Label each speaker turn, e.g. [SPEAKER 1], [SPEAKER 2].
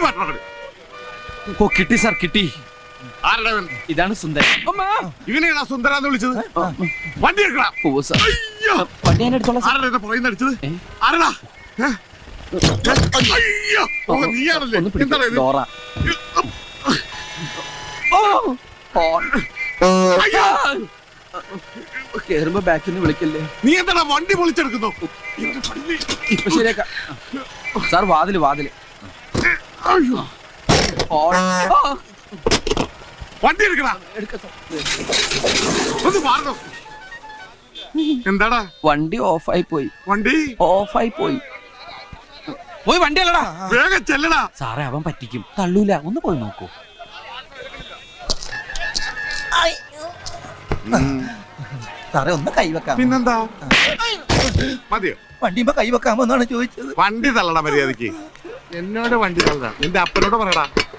[SPEAKER 1] മാറ്റണം.
[SPEAKER 2] ഓ കിട്ടി സാർ കിട്ടി.
[SPEAKER 1] ആരുടെ
[SPEAKER 2] ഇതാണ് സുന്ദരൻ.
[SPEAKER 1] ഇവനെയാണോ സുന്ദരാന്ന് വിളിച്ചത്? വണ്ടി എടുക്കണം.
[SPEAKER 2] വണ്ടി ഞാൻ എടുത്തോളാം.
[SPEAKER 1] ആരുടെ പുറകിൽ അടിച്ചത്? ആരടാ? അയ്യോ നീയാണല്ലേ? എന്താണ് ഇത്?
[SPEAKER 2] കേറുമ്പോ ബാക്കിൽ നിന്ന് വിളിക്കല്ലേ.
[SPEAKER 1] നീ എന്താ വണ്ടി പൊളിച്ചെടുക്കുന്നു?
[SPEAKER 2] ഇപ്പൊ ശരിയാക്കാം സാർ. വാതില്
[SPEAKER 1] വണ്ടി എടുക്കടാ. ഒന്ന് മാറണം. എന്താടാ?
[SPEAKER 2] വണ്ടി ഓഫായി പോയി. പോയി വണ്ടി അല്ലടാ.
[SPEAKER 1] വേഗം ചെല്ലടാ.
[SPEAKER 2] സാറേ അവൻ പറ്റിക്കും. തള്ളൂല. ഒന്ന് പോയി നോക്കൂ.
[SPEAKER 3] സാറേ ഒന്ന് കൈവെക്കാം.
[SPEAKER 1] പിന്നെന്താ മതിയോ?
[SPEAKER 3] വണ്ടിയുമ്പോ കൈവെക്കാമോ എന്നാണ് ചോദിച്ചത്.
[SPEAKER 1] വണ്ടി തള്ളടാ മര്യാദക്ക്. എന്നോട് വണ്ടി തള്ളടാ. നിന്റെ അപ്പനോട് പറയടാ.